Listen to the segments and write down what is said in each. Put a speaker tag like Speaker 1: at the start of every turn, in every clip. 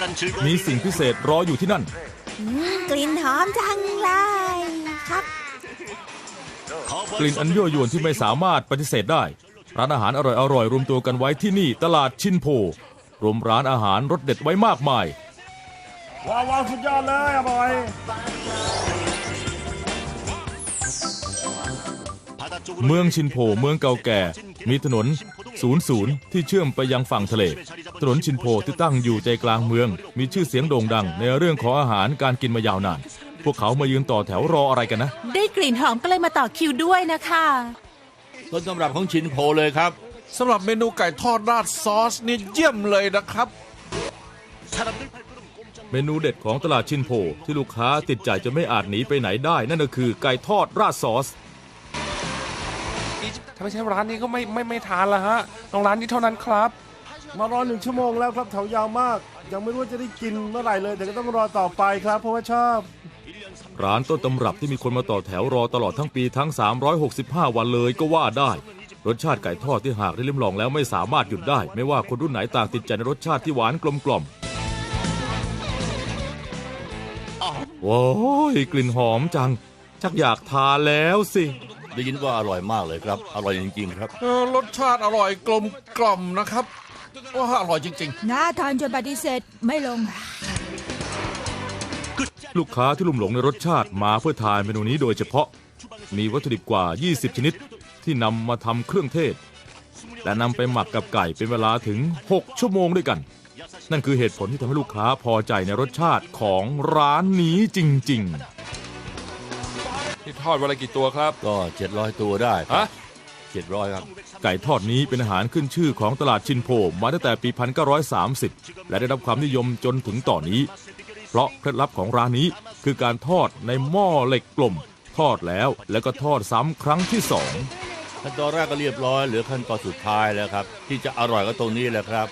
Speaker 1: มีสิ่งพิเศษรออยู่ที่นั่น
Speaker 2: กลิ่นหอมจังเลยครับ
Speaker 1: กลิ่นอันยั่วยวนที่ไม่สามารถปฏิเสธได้ร้านอาหารอร่อยๆรวมตัวกันไว้ที่นี่ตลาดชินโพรวมร้านอาหารรสเด็ดไว้มากมาย
Speaker 3: ว้าวสุดยอดเลยอร่อย
Speaker 1: เมืองชินโพเมืองเก่าแก่มีถนน00ที่เชื่อมไปยังฝั่งทะเลถนนชินโพที่ตั้งอยู่ใจกลางเมืองมีชื่อเสียงโด่งดังในเรื่องของอาหารการกินมายาวนานพวกเขามายืนต่อแถวรออะไรกันนะ
Speaker 4: ได้กลิ่นหอมก็เลยมาต่อคิวด้วยนะคะ
Speaker 5: ต้นตำรับของชินโพเลยครับ
Speaker 3: สำหรับเมนูไก่ทอดราดซอสนี่เยี่ยมเลยนะครับ
Speaker 1: เมนูเด็ดของตลาดชินโพที่ลูกค้าติดใจจะไม่อาจหนีไปไหนได้นั่นก็คือไก่ทอดราดซอส
Speaker 3: ถ้าไม่ใช่ร้านนี้ก็ไม่ทานละฮะต้องร้านนี้เท่านั้นครับมารอ1 ชั่วโมงแล้วครับแถวยาวมากยังไม่รู้ว่าจะได้กินเมื่อไหร่เลยแต่ก็ต้องรอต่อไปครับเพราะว่าชอบ
Speaker 1: ร้านต้นตำรับที่มีคนมาต่อแถวรอตลอดทั้งปีทั้ง365วันเลยก็ว่าได้รสชาติไก่ทอดที่หากได้ลิ้มลองแล้วไม่สามารถหยุดได้ไม่ว่าคนรุ่นไหนต่างติดใจในรสชาติที่หวานกลมกล่อมว้าวกลิ่นหอมจังชักอยากทานแล้วสิ
Speaker 5: ได้ยินว่าอร่อยมากเลยครับอร่อยจริงๆครับ
Speaker 3: รสชาติอร่อยกลมกล่อมนะครับว่าอร่อยจริง
Speaker 2: ๆน่าทานจนปฏิเสธไม่ลง
Speaker 1: ลูกค้าที่ลุ่มหลงในรสชาติมาเพื่อทานเมนูนี้โดยเฉพาะมีวัตถุดิบกว่า20ชนิดที่นำมาทำเครื่องเทศและนำไปหมักกับไก่เป็นเวลาถึง6 ชั่วโมงด้วยกันนั่นคือเหตุผลที่ทำให้ลูกค้าพอใจในรสชาติของร้านนี้จริงๆ
Speaker 3: ที่ทอดวันละกี่ตัวครับ
Speaker 5: ก็700ตัวได้700ครับ
Speaker 1: ไก่ทอดนี้เป็นอาหารขึ้นชื่อของตลาดชินโพมาตั้งแต่ปี1930และได้รับความนิยมจนถึงตอนนี้เพราะเคล็ดลับของร้านนี้คือการทอดในหม้อเหล็กกลมทอดแล้วก็ทอดซ้ำครั้งที่2
Speaker 5: ขั้นตอนแรกก็เรียบร้อยเหลือขั้นตอนสุดท้ายแล้วครับที่จะอร่อยก็ตรงนี้แหละครับ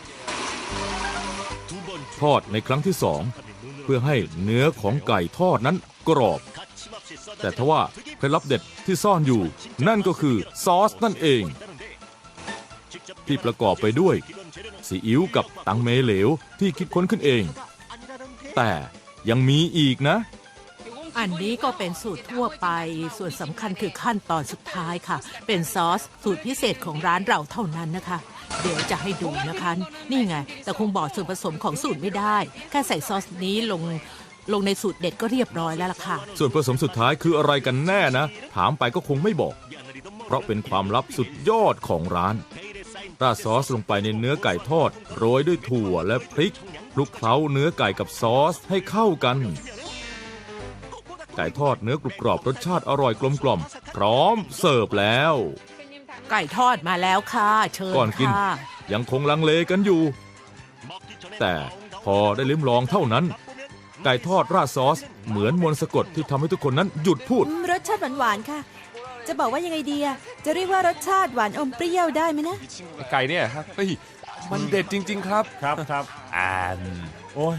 Speaker 1: ทอดในครั้งที่2เพื่อให้เนื้อของไก่ทอดนั้นกรอบแต่ทว่าเคล็ดลับเด็ดที่ซ่อนอยู่นั่นก็คือซอสนั่นเองที่ประกอบไปด้วยซีอิ๊วกับตังเมเหลวที่คิดค้นขึ้นเองแต่ยังมีอีกนะ
Speaker 4: อันนี้ก็เป็นสูตรทั่วไปส่วนสำคัญคือขั้นตอนสุดท้ายค่ะเป็นซอสสูตรพิเศษของร้านเราเท่านั้นนะคะเดี๋ยวจะให้ดูนะคะนี่ไงแต่คงบอกส่วนผสมของสูตรไม่ได้แค่ใส่ซอสนี้ลงในสูตรเด็ดก็เรียบร้อยแล้วล่ะค่ะ
Speaker 1: ส่วนผสมสุดท้ายคืออะไรกันแน่นะถามไปก็คงไม่บอกเพราะเป็นความลับสุดยอดของร้านราดซอสลงไปในเนื้อไก่ทอดโรยด้วยถั่วและพริกคลุกเคล้าเนื้อไก่กับซอสให้เข้ากันไก่ทอดเนื้อกรุบกรอบรสชาติอร่อยกลมกล่อมพร้อมเสิร์ฟแล้ว
Speaker 4: ไก่ทอดมาแล้วค่ะเชิญค่ะ
Speaker 1: ก่อนกินยังคงลังเลกันอยู่แต่พอได้ลิ้มลองเท่านั้นไก่ทอดราดซอสเหมือนมนต์สะกดที่ทำให้ทุกคนนั้นหยุดพูด
Speaker 2: รสชาติหวานๆค่ะจะบอกว่ายังไงดีจะเรียกว่ารสชาติหวานอมเปรี้ยวได้ไหมนะ
Speaker 3: ไก่เนี่ยครับมันเด็ดจริงๆครับ
Speaker 5: ครับ
Speaker 3: โอ้ย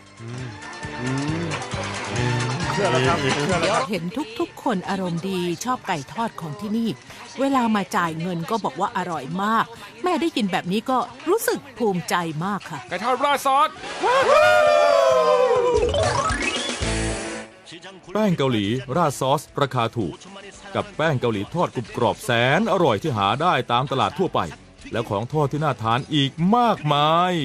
Speaker 4: เชื่อแล้วครับเห็นทุกคนอารมณ์ดีชอบไก่ทอดของที่นี่เวลามาจ่ายเงินก็บอกว่าอร่อยมากแม่ได้กินแบบนี้ก็รู้สึกภูมิใจมากค่ะ
Speaker 3: ไก่ทอดราดซอส
Speaker 1: แป้งเกาหลีราดซอสราคาถูกกับแป้งเกาหลีทอดกรุบกรอบแสนอร่อยที่หาได้ตามตลาดทั่วไปแล้วของทอดที่น่าทานอีกมากมาย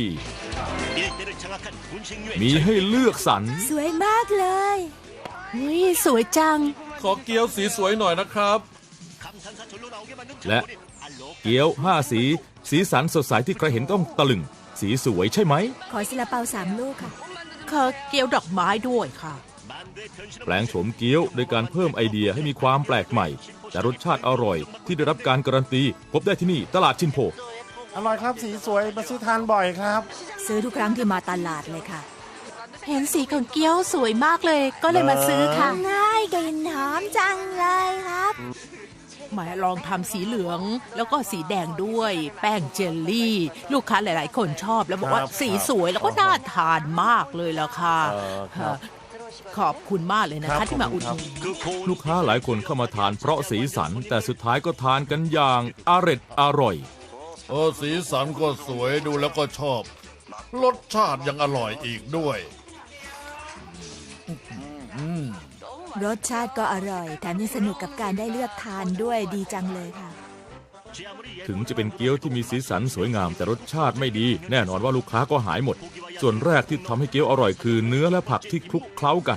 Speaker 1: มีให้เลือกสรร
Speaker 2: สวยมากเลย
Speaker 4: สวยจัง
Speaker 3: ขอเกี๊ยวสีสวยหน่อยนะครับ
Speaker 1: และเกี๊ยว5สีสันสดใสที่ใครเห็นต้องตะลึงสีสวยใช่ไหม
Speaker 2: ขอซาลาเปา3 ลูกค่ะ
Speaker 4: ขอเกี๊ยวดอกไม้ด้วยค่ะ
Speaker 1: แปลงโฉมเกี๊ยวโดยการเพิ่มไอเดียให้มีความแปลกใหม่แต่รสชาติอร่อยที่ได้รับการการันตีพบได้ที่นี่ตลาดชินโพ
Speaker 3: อร่อยครับสีสวยมาซื้อทานบ่อยครับ
Speaker 2: ซื้อทุกครั้งที่มาตลาดเลยค่ะ
Speaker 4: เห็นสีของเกี๊ยวสวยมากเลยก็เลยมาซื้อค่ะ
Speaker 2: ง่ายกลิ่นหอมจังเลยครับ
Speaker 4: มาลองทำสีเหลืองแล้วก็สีแดงด้วยแป้งเจลลี่ลูกค้าหลายๆคนชอบแล้วบอกว่าสีสวยแล้วก็น่าทานมากเลยล่ะค่ะขอบคุณมากเลยนะคะที่มาอุดหนุน
Speaker 1: ลูกค้าหลายคนเข้ามาทานเพราะสีสันแต่สุดท้ายก็ทานกันอย่างอร่อย
Speaker 5: สีสันก็สวยดูแล้วก็ชอบ
Speaker 6: รสชาติยังอร่อยอีกด้วย
Speaker 2: รสชาติก็อร่อยแถมยังสนุกกับการได้เลือกทานด้วยดีจังเลยค่ะ
Speaker 1: ถึงจะเป็นเกี๊ยวที่มีสีสันสวยงามแต่รสชาติไม่ดี แน่นอนว่าลูกค้าก็หายหมด ส่วนแรกที่ทำให้เกี๊ยวอร่อยคือเนื้อและผักที่คลุกเคล้ากัน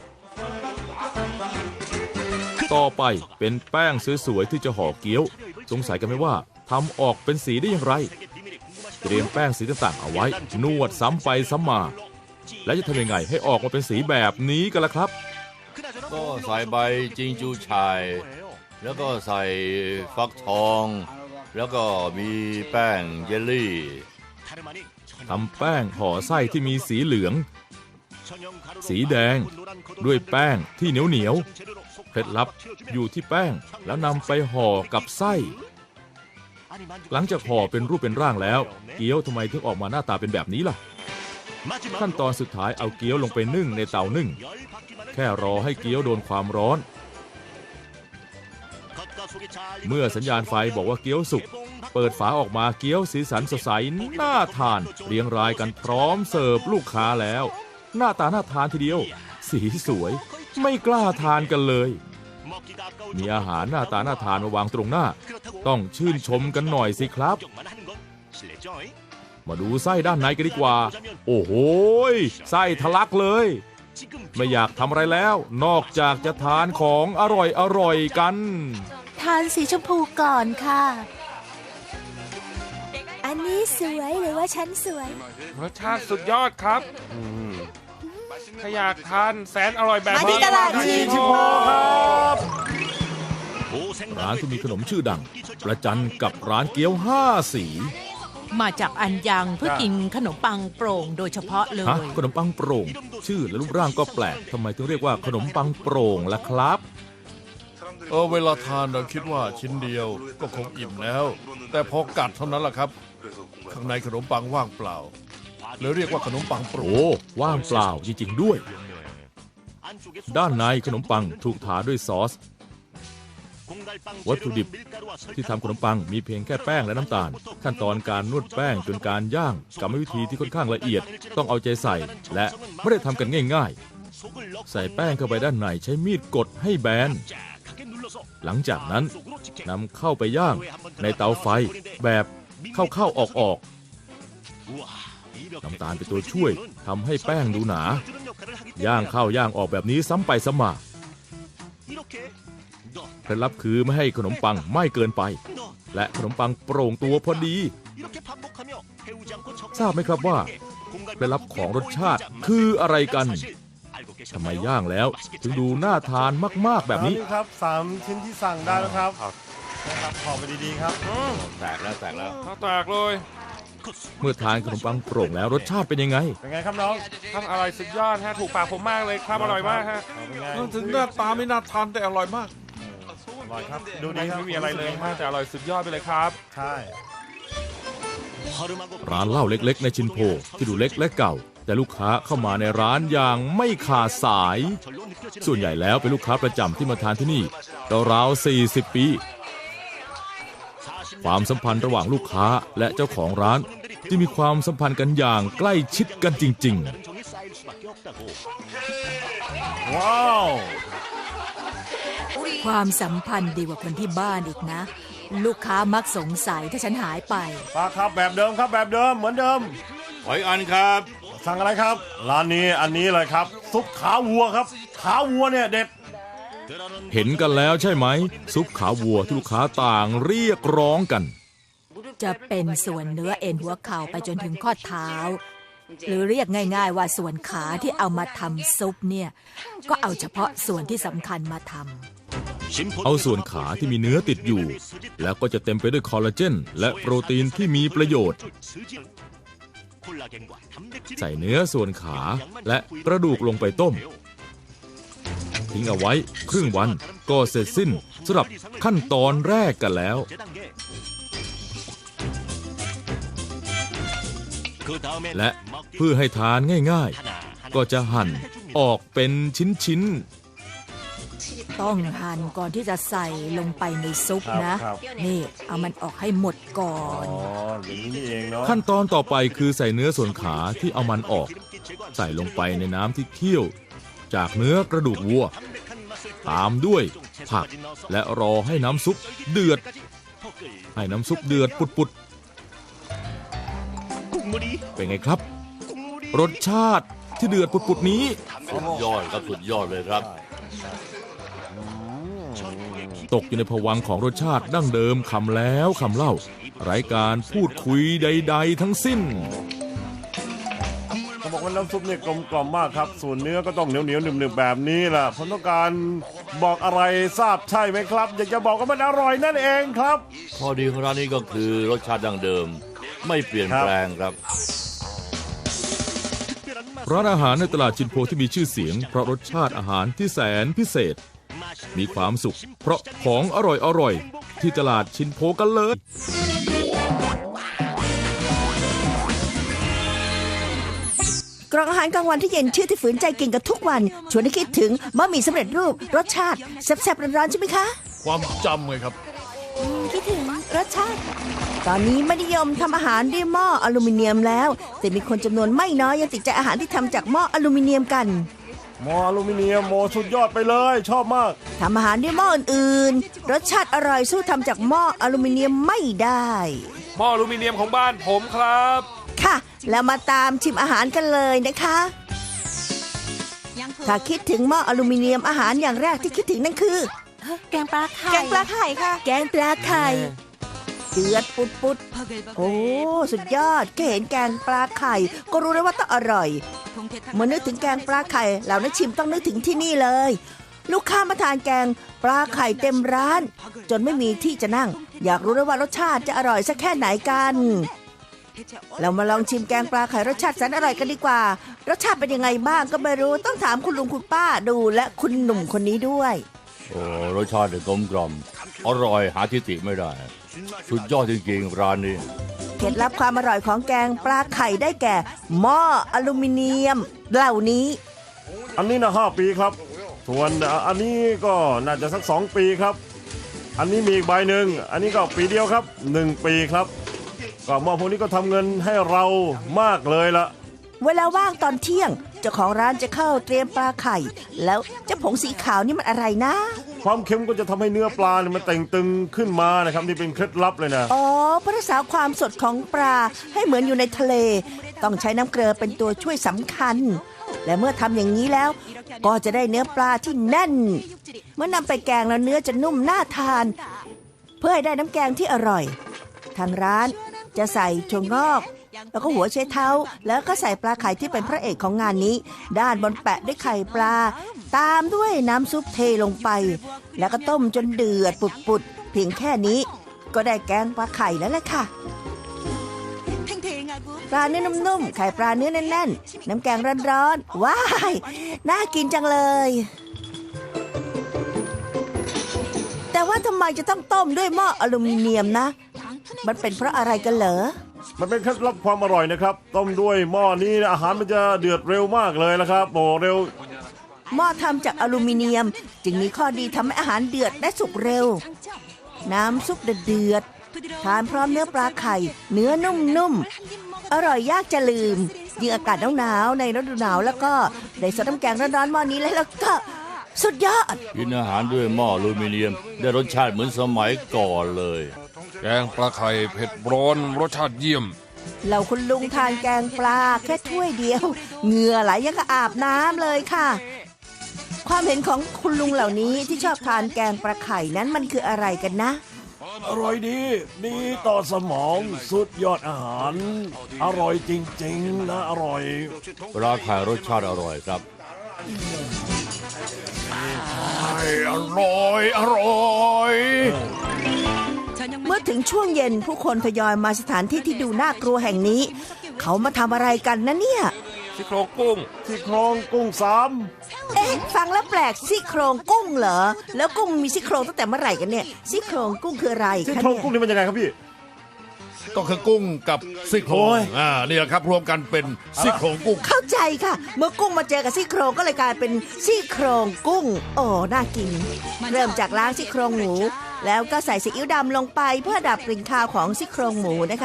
Speaker 1: ต่อไปเป็นแป้งสวยๆที่จะห่อเกี๊ยวสงสัยกันไหมว่าทำออกเป็นสีได้อย่างไรเตรียมแป้งสีต่างๆเอาไว้นวดซ้ำไปซ้ำมาและจะทำยังไงให้ออกมาเป็นสีแบบนี้กันล่ะครับ
Speaker 5: ก็ใส่ใบจิงจูชายแล้วก็ใส่ฟักทอง แล้วก็มีแป้งเยลลี่
Speaker 1: ทำแป้งห่อไส้ที่มีสีเหลือง สีแดงด้วยแป้งที่เหนียวๆเคล็ดลับอยู่ที่แป้งแล้วนำไปห่อกับไส้หลังจากห่อเป็นรูปเป็นร่างแล้วเกี๊ยวทำไมถึงออกมาหน้าตาเป็นแบบนี้ล่ะขั้นตอนสุดท้ายเอาเกี๊ยวลงไปนึ่งในเตานึ่งแค่รอให้เกี๊ยวโดนความร้อนเมื่อสัญญาณไฟบอกว่าเกี๊ยวสุกเปิดฝาออกมาเกี๊ยวสีสันสดใสน่าทานเรียงรายกันพร้อมเสิร์ฟลูกค้าแล้วหน้าตาน่าทานทีเดียวสีสวยไม่กล้าทานกันเลยมีอาหารหน้าตาน่าทานมาวางตรงหน้าต้องชื่นชมกันหน่อยสิครับมาดูไส้ด้านในกันดีกว่าโอ้โหไส้ทะลักเลยไม่อยากทำอะไรแล้วนอกจากจะทานของอร่อยกัน
Speaker 2: ทานสีชมพูก่อนค่ะ อันนี้สวยหรือว่าฉันสวย
Speaker 3: รสชาติสุดยอดครับถ้าอยากทานแสนอร่อยแบบ
Speaker 2: มาที่ตลาดชิน
Speaker 3: โพครับ
Speaker 1: ร้านที่มีขนมชื่อดังประจันกับร้านเกี๊ยว5 สี
Speaker 4: มาจากอันยังเพื่อกินขนมปังโปร่งโดยเฉพาะเลย
Speaker 1: ฮะขนมปังโปร่งชื่อและรูปร่างก็แปลกทำไมถึงเรียกว่าขนมปังโปร่งล่ะครับ
Speaker 6: เวลาทานเราคิดว่าชิ้นเดียวก็คงอิ่มแล้ว แต่พอกัดเท่านั้นแหละครับ ข้างในขนมปังว่างเปล่าเลยเรียกว่าขนมปังโปร่ง
Speaker 1: โอ้ว่างเปล่าจริงๆด้วย ด้านในขนมปังถูกทาด้วยซอสวัตถุดิบที่ทำขนมปังมีเพียงแค่แป้งและน้ำตาลขั้นตอนการนวดแป้งจนการย่างกรรมวิธีที่ค่อนข้างละเอียดต้องเอาใจใส่และไม่ได้ทำกันง่ายๆใส่แป้งเข้าไปด้านในใช้มีดกดให้แบนหลังจากนั้นนำเข้าไปย่างในเตาไฟแบบเข้าๆออกน้ำตาลเป็นตัวช่วยทำให้แป้งดูหนาย่างเข้าย่างออกแบบนี้ซ้ำไปซ้ำมาเคล็ดลับคือไม่ให้ขนมปังไหม้เกินไปและขนมปังโปร่งตัวพอดีทราบไหมครับว่าเคล็ดลับของรสชาติคืออะไรกันทำไมย่างแล้วถึงดูน่าทานมากๆแบบนี้
Speaker 3: ครับ3 ชิ้นที่สั่งได้แล้วครับนะครับขอไปดีๆครับ
Speaker 5: แตกแล้ว
Speaker 3: แตกเลย
Speaker 1: เมื่อทานขนมปังโปร่งแล้วรสชาติเป็นยังไง
Speaker 3: เป็นไงครับน้องทำอร่อยสุดยอดฮะถูกปากผมมากเลยครับอร่อยมากฮะ
Speaker 6: ถึงหน้าตาไม่น่าทานแต่อร่อยมาก
Speaker 3: อร่อยครับดูดีไม่มีอะไรเลยฮะแต่อร่อยสุดยอดไปเลยครับใช่
Speaker 1: ร้านเหล้าเล็กๆในชินโพที่ดูเล็กและเก่าแต่ลูกค้าเข้ามาในร้านอย่างไม่ขาดสาย ส่วนใหญ่แล้วเป็นลูกค้าประจำที่มาทานที่นี่ราวๆ40 ปีความสัมพันธ์ระหว่างลูกค้าและเจ้าของร้านที่มีความสัมพันธ์กันอย่างใกล้ชิดกันจริงๆ
Speaker 3: ว้าว
Speaker 2: ความสัมพันธ์ดีกว่าคนที่บ้านอีกนะ ลูกค้ามักสงสัยถ้าฉันหายไป
Speaker 3: ป้าครับแบบเดิมครับแบบเดิมเหมือนเดิม
Speaker 5: หอยอันครับ
Speaker 3: สั่งอะไรครับร้านนี้อันนี้เลยครับซุปขาวัวครับขาวัวเนี่ยเด็ด
Speaker 1: เห็นกันแล้วใช่ไหมซุปขาวัวที่ลูกค้าต่างเรียกร้องกัน
Speaker 2: จะเป็นส่วนเนื้อเอ็นหัวเข่าไปจนถึงข้อเท้า หรือเรียกง่ายๆว่าส่วนขาที่เอามาทำซุปเนี่ยก็เอาเฉพาะส่วนที่สำคัญมาทำ
Speaker 1: เอาส่วนขาที่มีเนื้อติดอยู่แล้วก็จะเต็มไปด้วยคอลลาเจนและโปรตีนที่มีประโยชน์ใส่เนื้อส่วนขาและกระดูกลงไปต้มทิ้งเอาไว้ครึ่งวันก็เสร็จสิ้นสำหรับขั้นตอนแรกกันแล้วและเพื่อให้ทานง่ายๆก็จะหั่นออกเป็นชิ้นๆ
Speaker 2: ต้องหั่นก่อนที่จะใส่ลงไปในซุปนะ
Speaker 3: ครับ
Speaker 2: นี่เอามันออกให้หมดก่อน
Speaker 3: อ๋ออย่างนี้นี่เองเนาะ
Speaker 1: ขั้นตอนต่อไปคือใส่เนื้อส่วนขาที่เอามันออก ใส่ลงไปในน้ำที่เคี่ยวจากเนื้อกระดูกวัว ตามด้วยผักและรอให้น้ำซุปเดือด ให้น้ำซุปเดือดปุดๆเป็นไงครับ รสชาติที่เดือดปุดๆนี้
Speaker 5: สุดยอดครับสุดยอดเลยครับ
Speaker 1: ตกอยู่ในภวังค์ของรสชาติดั้งเดิมคำแล้วคำเล่า ไร้การพูดคุยใดๆทั้งสิ้น
Speaker 3: เขาบอกว่าน้ำซุปเนี่ยกลมกล่อมมากครับ ส่วนเนื้อก็ต้องเหนียวเหนียวหนึบๆแบบนี้แหละผมต้องการบอกอะไรทราบใช่ไหมครับ อยากจะบอกว่ามันอร่อยนั่นเองครับ
Speaker 5: ข้อดีของร้านนี้ก็คือรสชาติดั้งเดิม ไม่เปลี่ยนแปลงครับ
Speaker 1: ร้านอาหารในตลาดจินโพที่มีชื่อเสียงเพราะรสชาติอาหารที่แสนพิเศษ มีความสุขเพราะของอร่อยๆที่ตลาดชินโพกันเลย
Speaker 7: กล่องอาหารกลางวันที่เย็นชื่อที่ฝืนใจกินกันทุกวันชวนให้คิดถึงบะหมี่สำเร็จรูปรสชาติแซ่บๆร้อนๆใช่ไหมคะ
Speaker 6: ความจำไงครับ
Speaker 7: คิดถึงรสชาติ ตอนนี้ไม่นิยมทำอาหารด้วยหม้ออลูมิเนียมแล้ว แต่มีคนจำนวนไม่น้อยยังติดใจอาหารที่ทำจากหม้ออลูมิเนียมกัน
Speaker 3: หม้ออลูมิเนียมโมสุดยอดไปเลยชอบมาก
Speaker 7: ทำอาหารด้วยหม้ออื่นๆรสชาติอร่อยสู้ทำจากหม้ออลูมิเนียมไม่ได้
Speaker 8: หม้ออลูมิเนียมของบ้านผมครับ
Speaker 7: ค่ะ แล้วมาตามชิมอาหารกันเลยนะคะ ถ้าคิดถึงหม้ออลูมิเนียมอาหารอย่างแรกที่คิดถึงนั่นคือ
Speaker 2: แกงปลาไข่
Speaker 7: แกงปลาไข่ค่ะ แกงปลาไข่เดือดปุดๆโอ้สุดยอดแค่เห็นแกงปลาไข่ก็รู้แล้วว่าต้องอร่อยเมื่อนึกถึงแกงปลาไข่เหล่านักชิมต้องนึกถึงที่นี่เลย ลูกค้ามาทานแกงปลาไข่เต็มร้าน จนไม่มีที่จะนั่ง อยากรู้แล้วว่ารสชาติจะอร่อยสักแค่ไหนกันเรามาลองชิมแกงปลาไข่รสชาติแสนอร่อยกันดีกว่ารสชาติเป็นยังไงบ้างก็ไม่รู้ต้องถามคุณลุงคุณป้าดูและคุณหนุ่มคนนี้ด้วย
Speaker 5: โอ้รสชาติกลมกล่อมอร่อยหาที่ติไม่ได้ สุดยอดจริงๆร้านนี้
Speaker 7: เคล็ดลับความอร่อยของแกงปลาไข่ได้แก่หม้ออลูมิเนียมเหล่านี้
Speaker 3: อันนี้นะ5 ปีครับ ส่วนอันนี้ก็น่าจะสัก2 ปีครับ อันนี้มีอีกใบหนึ่งอันนี้ก็ปีเดียวครับ1 ปีครับก็หม้อพวกนี้ก็ทำเงินให้เรามากเลยละ
Speaker 7: เวลาว่างตอนเที่ยงเจ้าของร้านจะเข้าเตรียมปลาไข่ แล้วเจ้าผงสีขาวนี่มันอะไรนะ
Speaker 3: ความเค็มก็จะทำให้เนื้อปลาเนี่ยมันเต่งตึงขึ้นมานะครับนี่เป็นเคล็ดลับเลยนะ
Speaker 7: อ๋อเพื่อรักษาความสดของปลาให้เหมือนอยู่ในทะเล ต้องใช้น้ำเกลือเป็นตัวช่วยสำคัญ และเมื่อทำอย่างนี้แล้ว ก็จะได้เนื้อปลาที่แน่น เมื่อนำไปแกงแล้วเนื้อจะนุ่มน่าทาน เพื่อให้ได้น้ำแกงที่อร่อย ทางร้านจะใส่ถั่วงอกแล้วก็หัวไชเท้าแล้วก็ใส่ปลาไข่ที่เป็นพระเอกของงานนี้ ด้านบนแปะด้วยไข่ปลา ตามด้วยน้ำซุปเทลงไป แล้วก็ต้มจนเดือดปุดๆเพียงแค่นี้ก็ได้แกงปลาไข่แล้วแหละค่ะปลาเนื้อนุ่มๆไข่ปลาเนื้อแน่นๆน้ำแกงร้อนๆว้ายน่ากินจังเลยแต่ว่าทำไมจะต้องต้มด้วยหม้ออลูมิเนียมนะมันเป็นเพราะอะไรกันเหรอ
Speaker 3: มันเป็นเคล็ดลับความอร่อยนะครับต้มด้วยหม้อนี้อาหารมันจะเดือดเร็วมากเลยนะครับโอ้เร็ว
Speaker 7: หม้อทำจากอลูมิเนียมจึงมีข้อดีทำให้อาหารเดือดและสุกเร็วน้ำซุปเดือดทานพร้อมเนื้อปลาไข่เนื้อนุ่มๆอร่อยยากจะลืมยิ่งอากาศหนาวๆในฤดูหนาวแล้วก็ได้ซดน้ำแกงร้อนๆหม้อนี้แล้วก็สุดยอด
Speaker 5: กินอาหารด้วยหม้ออลูมิเนียมได้รสชาติเหมือนสมัยก่อนเลย
Speaker 8: แกงปลาไข่เผ็ดร้อนรสชาติเยี่ยม
Speaker 7: เราคุณลุงทานแกงปลาแค่ถ้วยเดียวเหงื่อไหลยังกับอาบน้ำเลยค่ะความเห็นของคุณลุงเหล่านี้ที่ชอบทานแกงปลาไข่นั้นมันคืออะไรกันนะ
Speaker 3: อร่อยดีต่อสมองสุดยอดอาหารอร่อยจริงๆนะอร่อย
Speaker 5: ปลาไข่รสชาติอร่อยครับ
Speaker 6: อร่อย
Speaker 7: เมื่อถึงช่วงเย็นผู้คนทยอยมาสถานที่ที่ดูน่ากลัวแห่งนี้เขามาทำอะไรกันนะเนี่ย
Speaker 8: ซี่โครงกุ้ง
Speaker 7: เอ๊ะฟังแล้วแปลกซี่โครงกุ้งเหรอแล้วกุ้งมีซี่โครงตั้งแต่เมื่อไหร่กันเนี่ยซี่โครงกุ้งคืออะไร
Speaker 3: ซี่โครงกุ้งนี่มันยังไงครับพี่
Speaker 6: ก็คือกุ้งกับซี่โครงนี่แหละครับรวมกันเป็นซี่โครงกุ้ง
Speaker 7: เข้าใจค่ะเมื่อกุ้งมาเจอกับซี่โครงก็เลยกลายเป็นซี่โครงกุ้งโอ้น่ากินเริ่มจากล้างซี่โครงหมูแล้วก็ใส่ซีอิ๊วดำลงไปเพื่อดับกลิ่นคาวของซี่โครงหมูนะคะ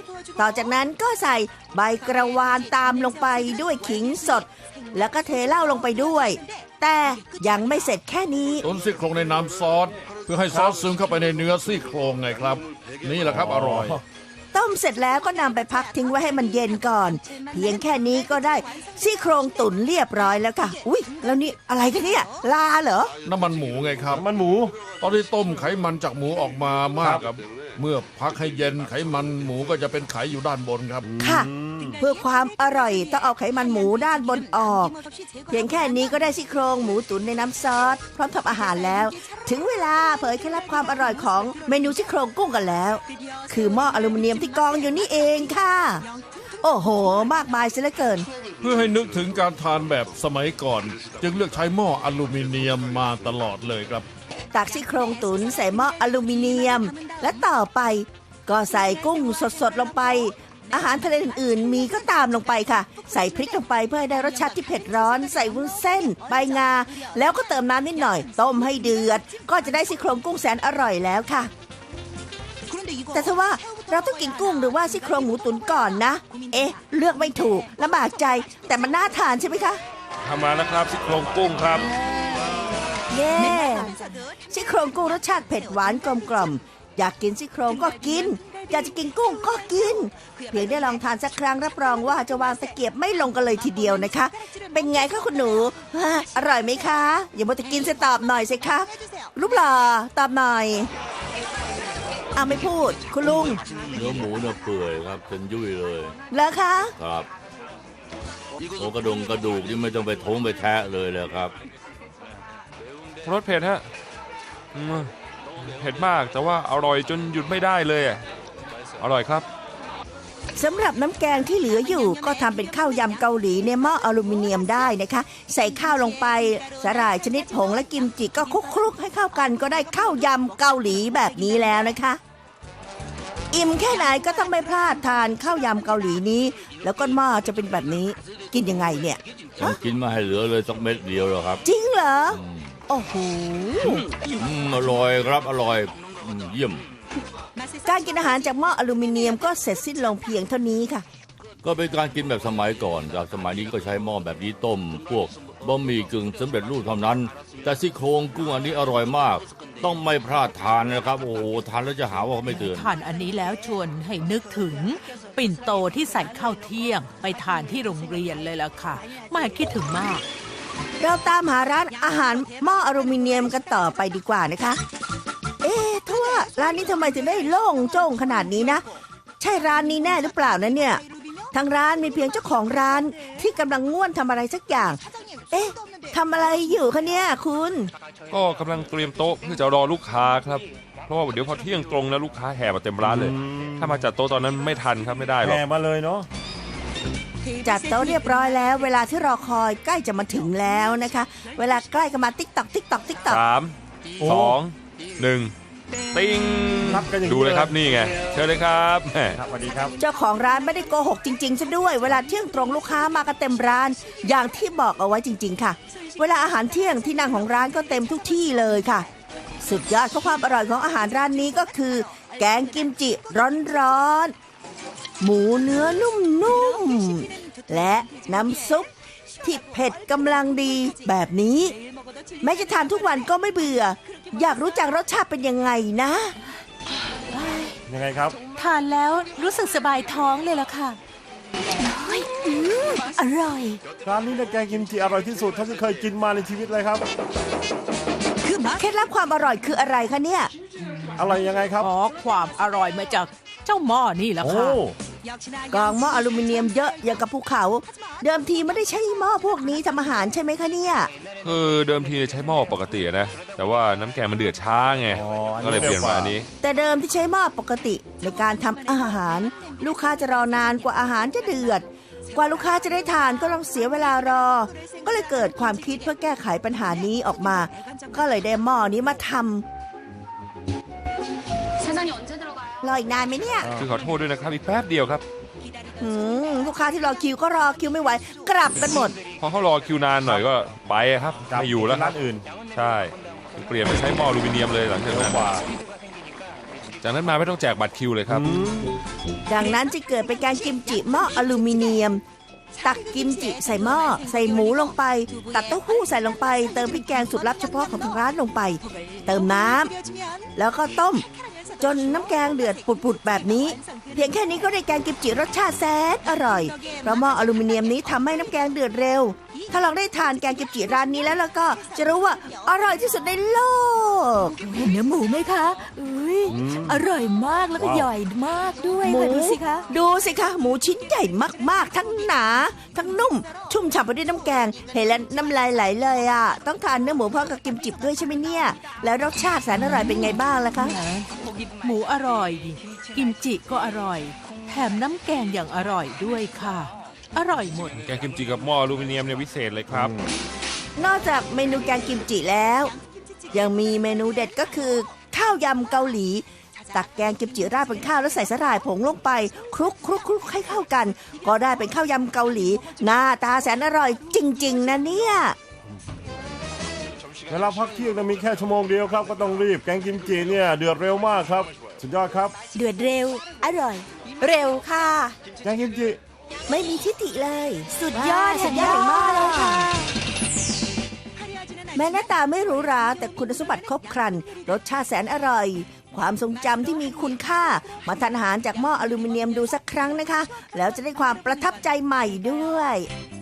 Speaker 7: ต่อจากนั้นก็ใส่ใบกระวานตามลงไปด้วยขิงสด แล้วก็เทเหล้าลงไปด้วย แต่ยังไม่เสร็จแค่นี้
Speaker 6: ตุ๋นซี่โครงในน้ำซอสเพื่อให้ซอสซึมเข้าไปในเนื้อซี่โครงไงครับ นี่แหละครับอร่อย
Speaker 7: ต้มเสร็จแล้วก็นำไปพักทิ้งไว้ให้มันเย็นก่อน เพียงแค่นี้ก็ได้ซี่โครงตุ๋นเรียบร้อยแล้วค่ะอุ๊ยแล้วนี่อะไรกันเนี่ยลาเหรอ
Speaker 6: น้ำมันหมูไงครับ
Speaker 3: มันหมู
Speaker 6: ตอนที่ต้มไขมันจากหมูออกมามากครับ เมื่อพักให้เย็นไขมันหมูก็จะเป็นไขอยู่ด้านบนครับ
Speaker 7: ค่ะ เพื่อความอร่อยต้องเอาไขมันหมูด้านบนออก เพียงแค่นี้ก็ได้ซี่โครงหมูตุ๋นในน้ำซอสพร้อมทำอาหารแล้ว ถึงเวลาเผยเคล็ดลับความอร่อยของเมนูซี่โครงกุ้งกันแล้ว คือหม้ออลูมิเนียมที่กองอยู่นี่เองค่ะ โอ้โห มากมายเสียเหลือเกิน
Speaker 6: เพื่อให้นึกถึงการทานแบบสมัยก่อน จึงเลือกใช้หม้ออลูมิเนียมมาตลอดเลยครับ
Speaker 7: ตักซี่โครงตุ๋นใส่หม้ออลูมิเนียม และต่อไปก็ใส่กุ้งสดๆลงไป อาหารทะเลอื่นๆมีก็ตามลงไปค่ะ ใส่พริกลงไปเพื่อให้ได้รสชาติที่เผ็ดร้อน ใส่วุ้นเส้นใบงา แล้วก็เติมน้ำนิดหน่อย ต้มให้เดือด ก็จะได้ซี่โครงกุ้งแสนอร่อยแล้วค่ะ แต่ถ้าว่าเราต้องกินกุ้งหรือว่าซี่โครงหมูตุ๋นก่อนนะ เอ๊ะ เลือกไม่ถูกลำบากใจ แต่มันน่าทานใช่ไหมคะ
Speaker 8: ทำมาแล้วครับซี่โครงกุ้งครับ
Speaker 7: เย้ซี่โครงกุ้งรสชาติเผ็ดหวานกลมกล่อมอยากกินซี่โครงก็กิน อยากจะกินกุ้งก็กิน เพียงได้ลองทานสักครั้งรับรองว่าจะวางตะเกียบไม่ลงกันเลยทีเดียวนะคะ เป็นไงคะคุณหนูอร่อยไหมคะ อย่ามัวแต่กินสิตอบหน่อยสิคะรูปหล่อตอบหน่อยเอาไม่พูดคุณลุง
Speaker 5: เนื้อหมูเนี่ยเปื่อยครับเป็นยุ่ยเลย
Speaker 7: เหรอคะ
Speaker 5: ครับโอ้กระดูกนี่ไม่ต้องไปท้งไปแทะเลยเลยครับ
Speaker 8: รสเผ็ดฮะเผ็ดมากแต่ว่าอร่อยจนหยุดไม่ได้เลยอะอร่อยครับ
Speaker 7: สำหรับน้ำแกงที่เหลืออยู่ก็ทำเป็นข้าวยำเกาหลีในหม้ออลูมิเนียมได้นะคะ ใส่ข้าวลงไปสาหร่ายชนิดผงและกิมจิก็คลุกๆให้เข้ากันก็ได้ข้าวยำเกาหลีแบบนี้แล้วนะคะ อิ่มแค่ไหนก็ต้องไม่พลาดทานข้าวยำเกาหลีนี้ แล้วก้นหม้อจะเป็นแบบนี้กินยังไงเนี่ย
Speaker 5: ต้องกินมาให้เหลือเลยสักเม็ดเดียวหรอครับ
Speaker 7: จริงเหรอโอ้โห
Speaker 5: อร่อยครับอร่อยเยี่ยม
Speaker 7: การกินอาหารจากหม้ออลูมิเนียมก็เสร็จสิ้นลงเพียงเท่านี้ค่ะ
Speaker 5: ก็เป็นการกินแบบสมัยก่อนจากสมัยนี้ก็ใช้หม้อแบบนี้ต้ม พวกบะหมี่กึ่งสำเร็จรูปเท่านั้น แต่ซี่โครงกุ้งอันนี้อร่อยมาก ต้องไม่พลาดทานนะครับโอ้โหทานแล้วจะหาว่าเขาไม่เตือน
Speaker 4: ทานอันนี้แล้วชวนให้นึกถึงปิ่นโตที่ใส่ข้าวเที่ยงไปทานที่โรงเรียนเลยล่ะค่ะแม่คิดถึงมาก
Speaker 7: เราตามหาร้านอาหารหม้ออลูมิเนียมกันต่อไปดีกว่านะคะ เอ๊ะถ้าว่าร้านนี้ทำไมถึงได้โล่งโจ้งขนาดนี้นะ ใช่ร้านนี้แน่หรือเปล่านะเนี่ยทางร้านมีเพียงเจ้าของร้านที่กำลังง่วนทำอะไรสักอย่าง เอ๊ะทำอะไรอยู่คะเนี่ยคุณ
Speaker 8: ก็กำลังเตรียมโต๊ะเพื่อจะรอลูกค้าครับเพราะว่าเดี๋ยวพอเที่ยงตรงนะลูกค้าแห่มาเต็มร้านเลย ถ้ามาจัดโต๊ะตอนนั้นไม่ทันครับไม่ได้หรอก
Speaker 3: แห่มาเลยเนาะ
Speaker 7: จัดโต๊ะเรียบร้อยแล้ว เวลาที่รอคอยใกล้จะมาถึงแล้วนะคะ เวลาใกล้ก็มาติ๊กตอกติ๊กตอกติ๊กตอก
Speaker 8: 3 2 1 ติ้ง
Speaker 3: นับกันอย่างนี้
Speaker 8: ดูเลยครับนี่ไงเชิญเลยครับแหม
Speaker 3: ครับสวัสดีครับ
Speaker 7: เจ้าของร้านไม่ได้โกหกจริงๆซะด้วย เวลาเที่ยงตรงลูกค้ามากันเต็มร้าน อย่างที่บอกเอาไว้จริงๆค่ะ เวลาอาหารเที่ยงที่นั่งของร้านก็เต็มทุกที่เลยค่ะ สุดยอดของความอร่อยของอาหารร้านนี้ก็คือ แกงกิมจิร้อนๆหมูเนื้อนุ่มๆและน้ำซุปที่เผ็ดกำลังดีแบบนี้ แม้จะทานทุกวันก็ไม่เบื่อ อยากรู้จักรสชาติเป็นยังไงนะ
Speaker 3: ยังไงครับ
Speaker 4: ทานแล้วรู้สึกสบายท้องเลยล่ะค่ะ
Speaker 7: อร่อย
Speaker 3: ร้านนี้เนี่ยแกงกิมจิอร่อยที่สุดเท่าที่เคยกินมาในชีวิตเลยครับ
Speaker 7: เคล็ดลับความอร่อยคืออะไรคะเนี่ย
Speaker 3: อะไรยังไงครับ
Speaker 4: อ๋อความอร่อยมาจากเจ้าหม้อนี่แหละ
Speaker 3: โอ้
Speaker 4: ค่ะ
Speaker 7: กองหม้ออลูมิเนียมเยอะอย่างกับภูเขา เดิมทีไม่ได้ใช้หม้อพวกนี้ทำอาหารใช่ไหมคะเนี่ย
Speaker 8: คือเดิมทีใช้หม้อปกตินะแต่ว่าน้ำแกงมันเดือดช้าไง
Speaker 3: อ๋ออันนี้
Speaker 8: ก็เลยเปลี่ยนมาอันนี้
Speaker 7: แต่เดิมที่ใช้หม้อปกติในการทำอาหาร ลูกค้าจะรอนานกว่าอาหารจะเดือด กว่าลูกค้าจะได้ทานก็ต้องเสียเวลารอ ก็เลยเกิดความคิดเพื่อแก้ไขปัญหานี้ออกมา ก็เลยได้หม้อนี้มาทำรออีกนานไหมเนี่ย
Speaker 8: คือขอโทษด้วยนะครับอีกแป๊บเดียวครับ
Speaker 7: ลูกค้าที่รอคิวก็รอคิวไม่ไหวกลับกันหมด
Speaker 8: พอเขารอคิวนานหน่อยก็ไปครับ
Speaker 3: กลับ
Speaker 8: ไม่อยู่แล้วค
Speaker 3: ร้า
Speaker 8: รับ
Speaker 3: นอื่น
Speaker 8: ใช่เปลี่ยนไปใช้หม้ออลูมิเนียมเลยหลังจากนั้น
Speaker 3: กว่า
Speaker 8: จากนั้นมาไม่ต้องแจกบัตรคิวเลยครับ
Speaker 7: ดังนั้นจะเกิดเป็นการกิมจิหม้ออลูมิเนียม ตักกิมจิใส่หม้อใส่หมูลงไป ตักเต้าหู้ใส่ลงไป เติมพริกแกงสูตรลับเฉพาะของทางร้านลงไป เติมน้ำแล้วก็ต้ม จนน้ำแกงเดือดปุดๆแบบนี้ เพียงแค่นี้ก็ได้แกงกิมจิรสชาติแซ่บอร่อยเพราะหม้ออลูมิเนียมนี้ทำให้น้ำแกงเดือดเร็ว ถ้าลองได้ทานแกงกิมจิร้านนี้แล้วก็จะรู้ว่าอร่อยที่สุดในโลก
Speaker 2: เห็นเนื้อหมูไหมคะอุ้ยอร่อยมากแล้วก็
Speaker 3: ว้าว
Speaker 2: ใหญ่มากด้วย
Speaker 7: หมู
Speaker 2: ค่ะดูสิคะ
Speaker 7: ดูสิคะหมูชิ้นใหญ่มากๆ ทั้งหนา ทั้งนุ่ม ชุ่มฉ่ำไปด้วยน้ำแกง เห็นแล้วน้ำลายไหลเลยอ่ะต้องทานเนื้อหมูพร้อมกับกิมจิด้วยใช่ไหมเนี่ย แล้วรสชาติแสนอร่อยเป็นไงบ้างล่ะคะ
Speaker 4: หมูอร่อย กิมจิก็อร่อย แถมน้ำแกงอย่างอร่อยด้วยค่ะ อร่อยหมด
Speaker 8: แกงกิมจิกับหม้ออลูมิเนียมเนี่ยวิเศษเลยครับ
Speaker 7: นอกจากเมนูแกงกิมจิแล้ว ยังมีเมนูเด็ดก็คือข้าวยำเกาหลี ตักแกงกิมจิราดบนข้าวแล้วใส่สาหร่ายผงลงไปคลุกให้เข้ากัน ก็ได้เป็นข้าวยำเกาหลีหน้าตาแสนอร่อยจริงๆนะเนี่ย
Speaker 3: เวลาพักเที่ยงมีแค่ชั่วโมงเดียวครับก็ต้องรีบแกงกิมจิเนี่ยเดือดเร็วมากครับสุดยอดครับ
Speaker 2: เดือดเร็ว อร่อย
Speaker 7: เร็วค่ะ
Speaker 3: แกงกิมจิ
Speaker 7: ไม่มีทิฐิเลย
Speaker 2: สุดยอด
Speaker 7: สุดยอดมากเลยค่ะ แม้หน้าตาไม่หรูหราแต่คุณสมบัติครบครัน รสชาติแสนอร่อย ความทรงจำที่มีคุณค่า มาทานอาหารจากหม้ออลูมิเนียมดูสักครั้งนะคะ แล้วจะได้ความประทับใจใหม่ด้วย